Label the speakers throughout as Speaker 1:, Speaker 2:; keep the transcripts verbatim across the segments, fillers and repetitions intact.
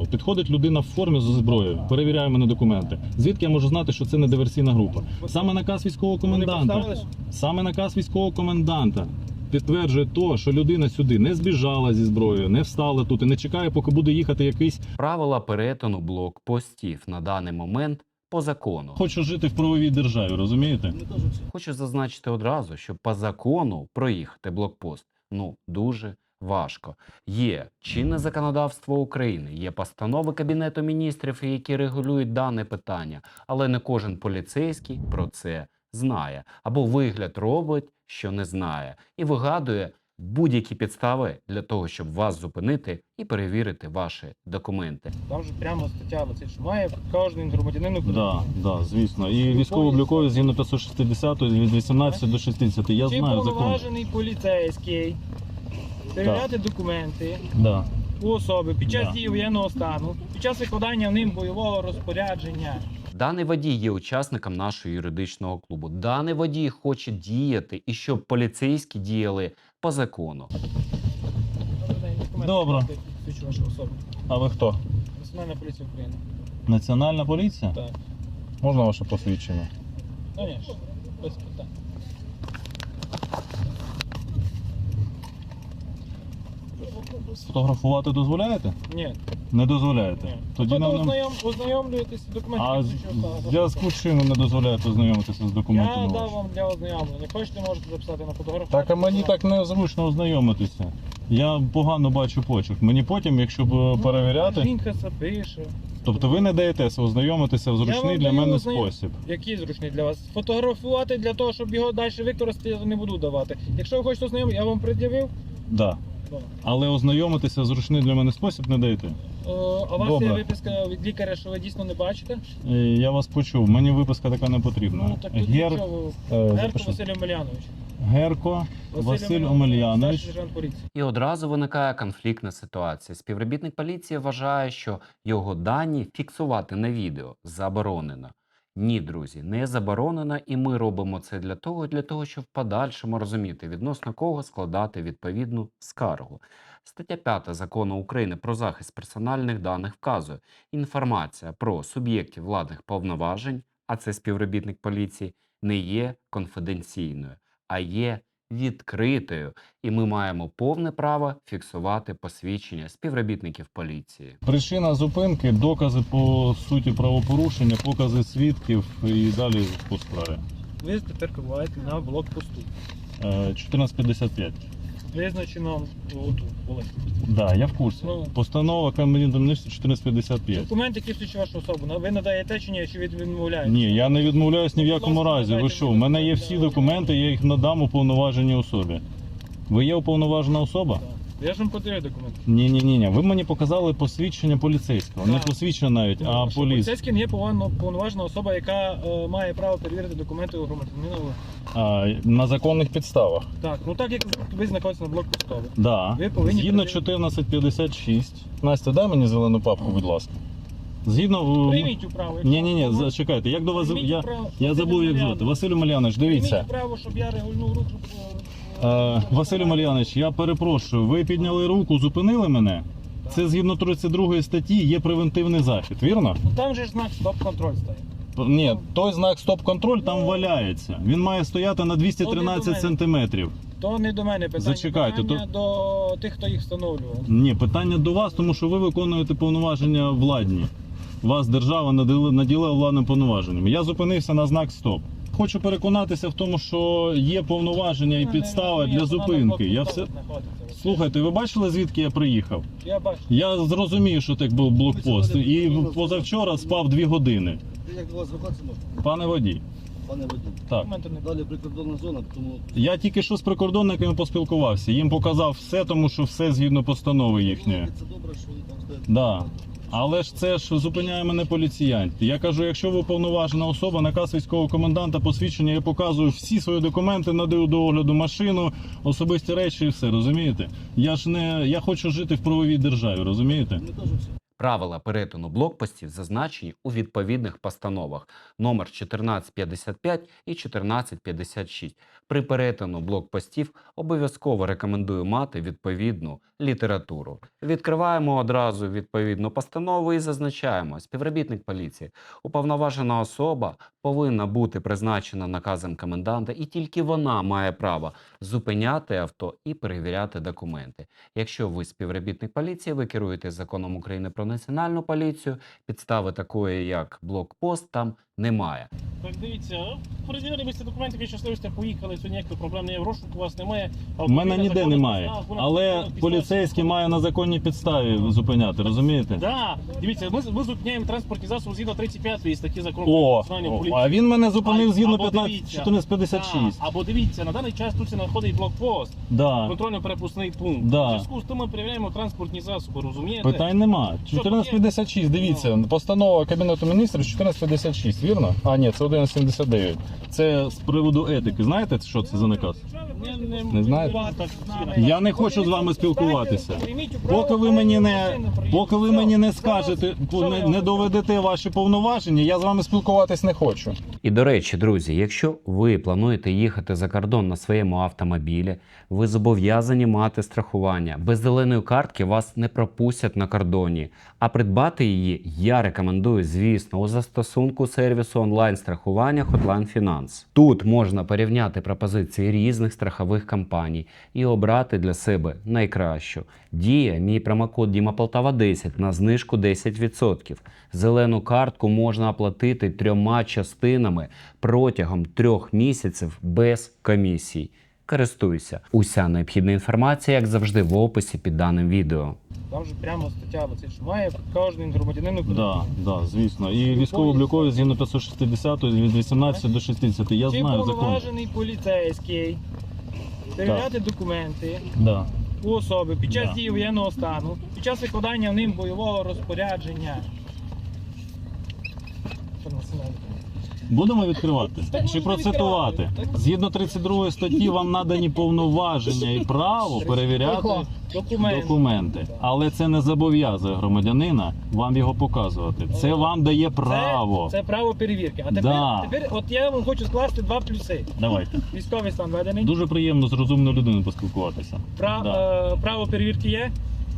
Speaker 1: Підходить людина в формі зі зброєю, перевіряє мене документи. Звідки я можу знати, що це не диверсійна група? Саме наказ військового коменданта, саме наказ військового коменданта підтверджує то, що людина сюди не збіжала зі зброєю, не встала тут і не чекає, поки буде їхати якийсь...
Speaker 2: Правила перетину блокпостів на даний момент по закону.
Speaker 1: Хочу жити в правовій державі, розумієте?
Speaker 2: Хочу зазначити одразу, що по закону проїхати блокпост, ну, дуже важко. Є чинне законодавство України, є постанови Кабінету міністрів, які регулюють дане питання, але не кожен поліцейський про це знає. Або вигляд робить, що не знає, і вигадує будь-які підстави для того, щоб вас зупинити і перевірити ваші документи.
Speaker 3: Там же прямо стаття висить, що має кожен громадянин України.
Speaker 1: Да, да, звісно. І військово-облікові згідно п'ятсот шістдесят від вісімнадцяти до шістдесяти. Я
Speaker 3: Чи
Speaker 1: знаю закон.
Speaker 3: повноважений поліцейський перевіряти документи
Speaker 1: Да.
Speaker 3: у особи під час
Speaker 1: Да.
Speaker 3: дії воєнного стану, під час виконання ним бойового розпорядження.
Speaker 2: Даний водій є учасником нашого юридичного клубу. Даний водій хоче діяти і щоб поліцейські діяли по закону.
Speaker 1: Добре.
Speaker 3: Свідчу вашу особу.
Speaker 1: А ви хто?
Speaker 3: Національна поліція України.
Speaker 1: Національна поліція?
Speaker 3: Так.
Speaker 1: Можна ваше посвідчення?
Speaker 3: Звісно, без питань.
Speaker 1: Сфотографувати дозволяєте?
Speaker 3: Ні.
Speaker 1: Не дозволяєте?
Speaker 3: Ні.
Speaker 1: Тоді
Speaker 3: Тобто
Speaker 1: нам... не-
Speaker 3: ознайом, ознайомлюєтесь з документами.
Speaker 1: А
Speaker 3: які
Speaker 1: з-
Speaker 3: свідчу
Speaker 1: в
Speaker 3: особу.
Speaker 1: зв'язку з чим ви не дозволяєте ознайомитися з документами?
Speaker 3: Я дав
Speaker 1: вашими?
Speaker 3: вам для ознайомлення. Хочете, можете записати на фотографію.
Speaker 1: Так, а мені так незручно ознайомитися. Я погано бачу почерк. Мені потім, якщо б перевіряти...
Speaker 3: Жінка це пише.
Speaker 1: Тобто ви не даєтеся ознайомитися в
Speaker 3: Я
Speaker 1: зручний
Speaker 3: вам
Speaker 1: для
Speaker 3: даю
Speaker 1: мене
Speaker 3: ознайом-
Speaker 1: спосіб.
Speaker 3: Який зручний для вас? Фотографувати для того, щоб його далі використати, я не буду давати. Якщо ви хочете ознайомити, я вам пред'явив.
Speaker 1: Да.
Speaker 3: Да.
Speaker 1: Але ознайомитися в зручний для мене спосіб не даєте.
Speaker 3: Е, А у вас
Speaker 1: Добре.
Speaker 3: є виписка від лікаря, що ви дійсно не бачите?
Speaker 1: Е, Я вас почув, мені виписка така не потрібна.
Speaker 3: Ну так тут
Speaker 1: Гер...
Speaker 3: нічого.
Speaker 1: е,
Speaker 3: Герко
Speaker 1: запиши.
Speaker 3: Василь Омелянович.
Speaker 1: Герко Василь Омельянович.
Speaker 3: Старший сержант поліції.
Speaker 2: І одразу виникає конфліктна ситуація. Співробітник поліції вважає, що його дані фіксувати на відео заборонено. Ні, друзі, не заборонено, і ми робимо це для того, для того, щоб в подальшому розуміти, відносно кого складати відповідну скаргу. Стаття п'ята Закону України про захист персональних даних вказує: інформація про суб'єктів владних повноважень, а це співробітник поліції, не є конфіденційною, а є відкритою, і ми маємо повне право фіксувати посвідчення співробітників поліції.
Speaker 1: Причина зупинки, докази по суті правопорушення, покази свідків і далі по справі.
Speaker 3: Ви тепер перебуваєте на блокпосту.
Speaker 1: Е, чотирнадцять п'ятдесят п'ять.
Speaker 3: Визначено отут, були.
Speaker 1: Да, я в курсі.
Speaker 3: Ну.
Speaker 1: Постанова Кабінету міністрів чотирнадцять п'ятдесят п'ять.
Speaker 3: Документ, який свідчить вашу особу. Ви надаєте чи ні, чи ви відмовляєте?
Speaker 1: Ні, я не відмовляюсь ні в якому
Speaker 3: Будь ласка,
Speaker 1: разі. Ви
Speaker 3: надайте
Speaker 1: що? У
Speaker 3: мені
Speaker 1: мене є
Speaker 3: документи.
Speaker 1: всі документи, я їх надам уповноваженій особі. Ви є уповноважена особа?
Speaker 3: Так. Я ж вам подаю документи.
Speaker 1: Ні, ні, ні, ні. Ви мені показали посвідчення поліцейського. Не
Speaker 3: Так.
Speaker 1: посвідчення навіть,
Speaker 3: Ну,
Speaker 1: а
Speaker 3: що
Speaker 1: поліс.
Speaker 3: Поліцейський не є повинно- повноважена особа, яка е, має право перевірити документи у громадянина.
Speaker 1: А, на законних підставах.
Speaker 3: Так, ну так як ви знаходитесь на блокпосту.
Speaker 1: Да.
Speaker 3: Ви повинні
Speaker 1: Згідно
Speaker 3: перевірити.
Speaker 1: чотирнадцять п'ятдесят шість. Настя, дай мені зелену папку, будь ласка. Згідно.
Speaker 3: Прийміть управу.
Speaker 1: Ні, ні, ні, зачекайте. Як до вас
Speaker 3: Прийміть
Speaker 1: я,
Speaker 3: управу.
Speaker 1: я забув, як звати. Василь Омельянович, дивіться.
Speaker 3: Прийміть право, щоб я регульнув руку.
Speaker 1: Е, Василь Омельянович, я перепрошую, ви підняли руку, зупинили мене?
Speaker 3: Так.
Speaker 1: Це згідно тридцять другої статті є превентивний захід, вірно?
Speaker 3: Ну там же ж знак стоп-контроль стоїть.
Speaker 1: Ні, той знак стоп-контроль там валяється. Він має стояти на двісті тринадцять сантиметрів.
Speaker 3: То не до мене питання.
Speaker 1: Зачекайте,
Speaker 3: питання до тих, хто їх встановлював.
Speaker 1: Ні, питання до вас, тому що ви виконуєте повноваження владні. Вас держава наділи- наділила владним повноваженням. Я зупинився на знак стоп. Хочу переконатися в тому, що є повноваження і
Speaker 3: Ну,
Speaker 1: підстава
Speaker 3: не
Speaker 1: для
Speaker 3: розумію,
Speaker 1: зупинки.
Speaker 3: вона на
Speaker 1: Я
Speaker 3: блокпосту
Speaker 1: все...
Speaker 3: знаходиться.
Speaker 1: Слухайте, ви бачили, звідки я приїхав?
Speaker 3: Я бачу.
Speaker 1: Я зрозумів, що так був блокпост. І позавчора спав дві години.
Speaker 4: Як до вас звертатися можна?
Speaker 1: Пане водій.
Speaker 4: Пане водій.
Speaker 1: Так.
Speaker 3: Документи не
Speaker 4: Далі прикордонна зона, тому
Speaker 1: Я тільки що з прикордонниками поспілкувався. Їм показав все, тому що все згідно постанови їхньої.
Speaker 4: це добре, що ви там стоїте.
Speaker 1: Да. Але ж це ж зупиняє мене поліціянт. Я кажу, якщо ви уповноважена особа, наказ військового коменданта, посвідчення, я показую всі свої документи, надаю до огляду машину, особисті речі і все, розумієте? Я ж не я хочу жити в правовій державі, розумієте?
Speaker 4: Ми теж всі.
Speaker 2: Правила перетину блокпостів зазначені у відповідних постановах номер чотирнадцять п'ятдесят п'ять і чотирнадцять п'ятдесят шість. При перетину блокпостів обов'язково рекомендую мати відповідну літературу. Відкриваємо одразу відповідну постанову і зазначаємо: співробітник поліції, уповноважена особа повинна бути призначена наказом коменданта, і тільки вона має право зупиняти авто і перевіряти документи. Якщо ви співробітник поліції, ви керуєте законом України про національну поліцію, підстави такої, як блокпост, там немає.
Speaker 5: Так, дивіться, перевірили ви ці документи, ви щасливі сте поїхали, сьогодні ніяких проблем не є, в розшуку у вас немає.
Speaker 1: У мене ніде немає. Але поліцейський має на законній підставі зупиняти, розумієте?
Speaker 5: Так, дивіться, ми, ми зупиняємо транспортні засоби згідно тридцять п'ятої статті закону про
Speaker 1: О,
Speaker 5: національну
Speaker 1: о,
Speaker 5: поліцію.
Speaker 1: а він мене зупинив
Speaker 5: А-
Speaker 1: згідно
Speaker 5: або
Speaker 1: п'ятнадцять
Speaker 5: дивіться,
Speaker 1: чотирнадцять п'ятдесят шість.
Speaker 5: так, або дивіться, на даний час тут знаходить блокпост,
Speaker 1: Да.
Speaker 5: контрольно-перепускний пункт.
Speaker 1: Да.
Speaker 5: В зв'язку з тим ми перевіряємо транспортні засоби, розумієте?
Speaker 1: Питань нема. чотирнадцять п'ятдесят шість, дивіться, постанова Кабінету міністрів чотирнадцять п'ятдесят шість, вірно? А, ні, це одинадцять сімдесят дев'ять. Це з приводу етики. Знаєте, що це за наказ?
Speaker 5: Не,
Speaker 1: Не знаєте?
Speaker 5: Так,
Speaker 1: Я не хочу з вами спілкуватися. Поки ви мені не, поки ви мені не скажете, не, не доведете ваші повноваження, я з вами спілкуватись не хочу.
Speaker 2: І до речі, друзі, якщо ви плануєте їхати за кордон на своєму автомобілі, ви зобов'язані мати страхування. Без зеленої картки вас не пропустять на кордоні. А придбати її я рекомендую, звісно, у застосунку сервісу онлайн-страхування Hotline Finance. Тут можна порівняти пропозиції різних страхових компаній і обрати для себе найкращу. Діє мій промокод Діма Полтава десять на знижку десять відсотків. Зелену картку можна оплатити трьома частинами протягом трьох місяців без комісій. Користуйся. Уся необхідна інформація, як завжди, в описі під даним відео.
Speaker 3: Там же прямо стаття, оце, що має кожен громадянин України.
Speaker 1: Да, да, звісно. І військово-облікові згідно п'ятсот шістдесят від вісімнадцяти до шістдесяти. Я
Speaker 3: Чи
Speaker 1: знаю закон.
Speaker 3: повноважений поліцейський перевіряти документи
Speaker 1: Да.
Speaker 3: у особи під час
Speaker 1: Да.
Speaker 3: дії воєнного стану, під час викладання ним бойового розпорядження. Що на сценарі?
Speaker 1: Будемо відкривати?
Speaker 3: Так
Speaker 1: Чи
Speaker 3: можна
Speaker 1: процитувати?
Speaker 3: відкривати. Так.
Speaker 1: Згідно тридцять другої статті вам надані повноваження і право перевіряти
Speaker 3: Документи.
Speaker 1: документи. Але це не зобов'язує громадянина вам його показувати. Це вам дає право.
Speaker 3: Це, це право перевірки. А тепер,
Speaker 1: Да.
Speaker 3: тепер от я вам хочу скласти два плюси.
Speaker 1: Давайте.
Speaker 3: Військовий стан введений.
Speaker 1: Дуже приємно з розумною людиною поспілкуватися.
Speaker 3: Пра,
Speaker 1: Да.
Speaker 3: е, право перевірки є.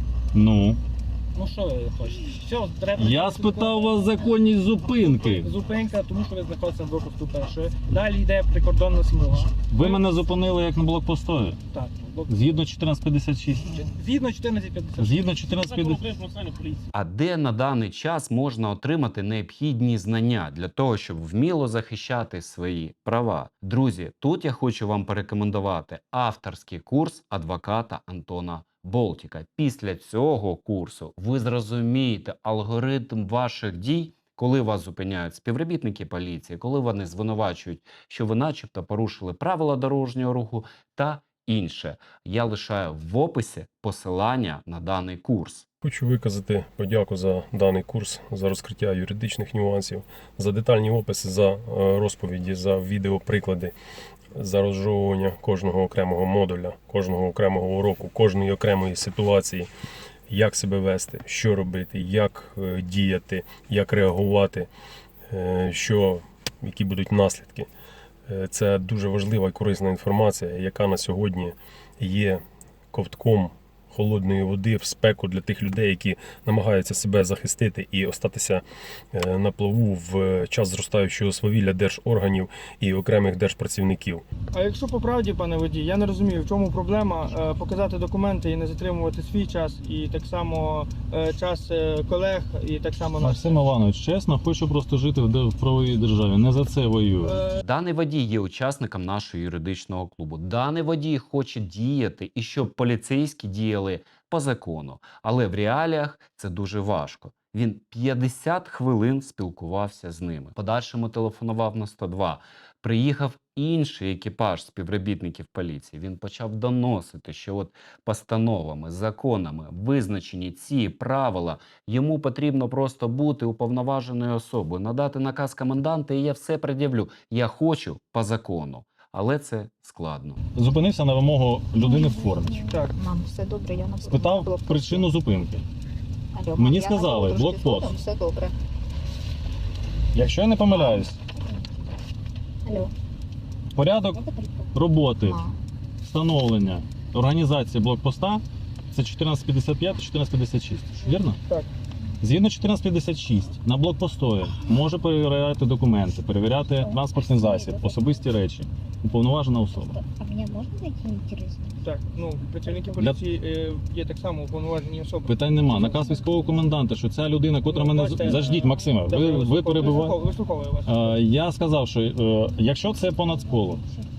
Speaker 1: Ну,
Speaker 3: Ну що ви хочете? Все, треба.
Speaker 1: я спитав вас законність зупинки.
Speaker 3: Зупинка, тому що ви знаходитеся на блокпосту першої. Далі йде прикордонна смуга.
Speaker 1: Ви мене зупинили як на блокпостові.
Speaker 3: Так, блок...
Speaker 1: Згідно чотирнадцять п'ятдесят шість.
Speaker 3: Згідно чотирнадцять п'ятдесят.
Speaker 1: Згідно чотирнадцять
Speaker 5: Закон
Speaker 1: п'ятдесят.
Speaker 5: України про національну поліцію.
Speaker 2: А де на даний час можна отримати необхідні знання для того, щоб вміло захищати свої права? Друзі, тут я хочу вам порекомендувати авторський курс адвоката Антона Болтіка. Після цього курсу ви зрозумієте алгоритм ваших дій, коли вас зупиняють співробітники поліції, коли вони звинувачують, що ви начебто порушили правила дорожнього руху та інше. Я лишаю в описі посилання на даний курс.
Speaker 6: Хочу виказати подяку за даний курс, за розкриття юридичних нюансів, за детальні описи, за е, розповіді, за відеоприклади, за розжовування кожного окремого модуля, кожного окремого уроку, кожної окремої ситуації, як себе вести, що робити, як е, діяти, як реагувати, е, що, які будуть наслідки. Е, Це дуже важлива і корисна інформація, яка на сьогодні є ковтком холодної води в спеку для тих людей, які намагаються себе захистити і остатися на плаву в час зростаючого свавілля держорганів і окремих держпрацівників.
Speaker 3: А якщо по правді, пане водій, я не розумію, в чому проблема е, показати документи і не затримувати свій час, і так само е, час е, колег, і так само наш.
Speaker 1: Максим Іванович, чесно, хочу просто жити в де- в правовій державі. Не за це воюю.
Speaker 3: Е,
Speaker 2: Даний водій є учасником нашого юридичного клубу. Даний водій хоче діяти і щоб поліцейські діяли по закону. Але в реаліях це дуже важко. Він п'ятдесят хвилин спілкувався з ними. В подальшому телефонував на сто два. Приїхав інший екіпаж співробітників поліції. Він почав доносити, що от постановами, законами визначені ці правила. Йому потрібно просто бути уповноваженою особою, надати наказ коменданта, і я все пред'явлю. Я хочу по закону. Але це складно.
Speaker 1: Зупинився на вимогу людини в формі.
Speaker 3: так.
Speaker 7: Мам, все добре, я на
Speaker 1: Спитав причину зупинки. Мені
Speaker 7: Я
Speaker 1: сказали,
Speaker 7: трошки
Speaker 1: блокпост.
Speaker 7: згодом, все добре.
Speaker 1: Якщо я не помиляюсь,
Speaker 7: Алло.
Speaker 1: порядок
Speaker 7: Можете приїхати?
Speaker 1: роботи,
Speaker 7: Ма.
Speaker 1: встановлення, організації блокпоста це чотирнадцять п'ятдесят п'ять чотирнадцять п'ятдесят шість. Вірно?
Speaker 3: Так.
Speaker 1: Згідно чотирнадцять п'ятдесят шість на блокпостові може перевіряти документи, перевіряти транспортний засіб, особисті речі, уповноважена особа.
Speaker 7: А меня можно найти интересно?
Speaker 3: Так, ну працівники
Speaker 1: Для-
Speaker 3: поліції е, є так само уповноважені особи.
Speaker 1: Питань нема. Наказ військового коменданта, що ця людина, котра мене
Speaker 3: Бачите,
Speaker 1: заждіть, Максиме,
Speaker 3: Добре,
Speaker 1: ви, ви
Speaker 3: вислуховую-
Speaker 1: перебуваєте.
Speaker 3: вислуховую- Вислуховую вас.
Speaker 1: Е, Я сказав, що е, якщо це по нацполу,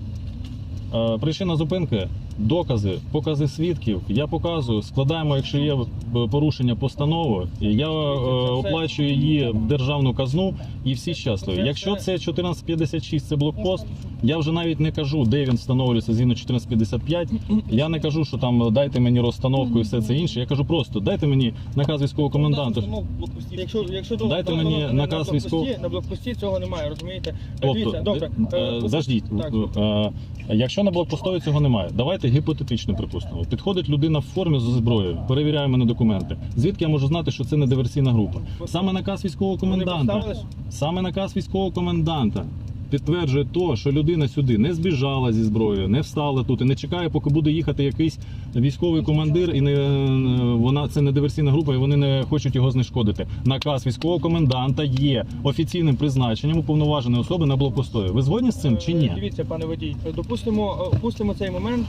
Speaker 1: е, причина зупинки, докази, покази свідків, я показую, складаємо, якщо є е, порушення постанови, і я е, оплачую її в державну казну і всі щасливі. Якщо це чотирнадцять п'ятдесят шість, це блокпост, я вже навіть не кажу, де він встановлюється згідно чотирнадцять п'ятдесят п'ять. Я не кажу, що там дайте мені розстановку і все це інше. Я кажу просто, дайте мені наказ військового коменданта.
Speaker 3: Якщо, якщо до-
Speaker 1: Дайте
Speaker 3: до-
Speaker 1: мені
Speaker 3: на- на
Speaker 1: наказ
Speaker 3: блокпості-
Speaker 1: військового.
Speaker 3: на блокпості цього немає, розумієте?
Speaker 1: Тобто,
Speaker 3: Дивіться, добре.
Speaker 1: е,
Speaker 3: е,
Speaker 1: заждіть,
Speaker 3: так.
Speaker 1: е, якщо на блокпостові цього немає, давайте гіпотетично припустимо. Підходить людина в формі з зброєю, перевіряє мене документи. Звідки я можу знати, що це не диверсійна група? Саме наказ військового
Speaker 3: Вони
Speaker 1: коменданта,
Speaker 3: представились?
Speaker 1: саме наказ військового коменданта підтверджує то, що людина сюди не збіжала зі зброєю, не встала тут і не чекає, поки буде їхати якийсь військовий командир, і не вона це не диверсійна група, і вони не хочуть його знешкодити. Наказ військового коменданта є офіційним призначенням уповноваженої особи на блокпостові. Ви згодні з цим чи
Speaker 3: Е,
Speaker 1: ні?
Speaker 3: Дивіться, пане водій, допустимо, е, опустимо цей момент.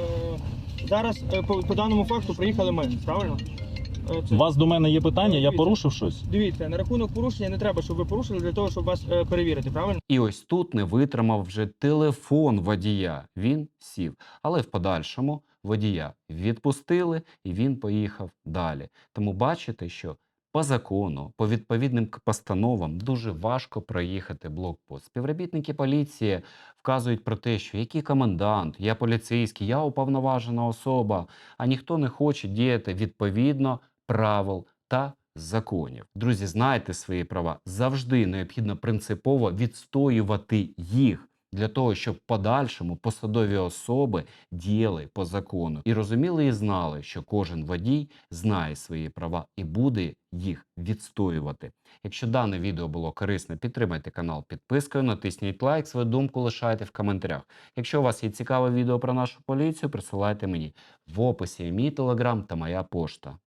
Speaker 3: Е, Зараз е, по, по даному факту приїхали ми, правильно? Е, це-
Speaker 1: У вас до мене є питання, я
Speaker 3: Дивіться.
Speaker 1: порушив щось?
Speaker 3: Дивіться, на рахунок порушення не треба, щоб ви порушили для того, щоб вас е, перевірити, правильно?
Speaker 2: І ось тут не витримав вже телефон водія. Він сів. Але в подальшому водія відпустили і він поїхав далі. Тому бачите, що по закону, по відповідним к- постановам дуже важко проїхати блокпост. Співробітники поліції вказують про те, що який комендант, я поліцейський, я уповноважена особа, а ніхто не хоче діяти відповідно правил та законів. Друзі, знайте свої права. Завжди необхідно принципово відстоювати їх для того, щоб в подальшому посадові особи діяли по закону. І розуміли і знали, що кожен водій знає свої права і буде їх відстоювати. Якщо дане відео було корисне, підтримайте канал підпискою, натисніть лайк, свою думку лишайте в коментарях. Якщо у вас є цікаве відео про нашу поліцію, присилайте мені. В описі є мій телеграм та моя пошта.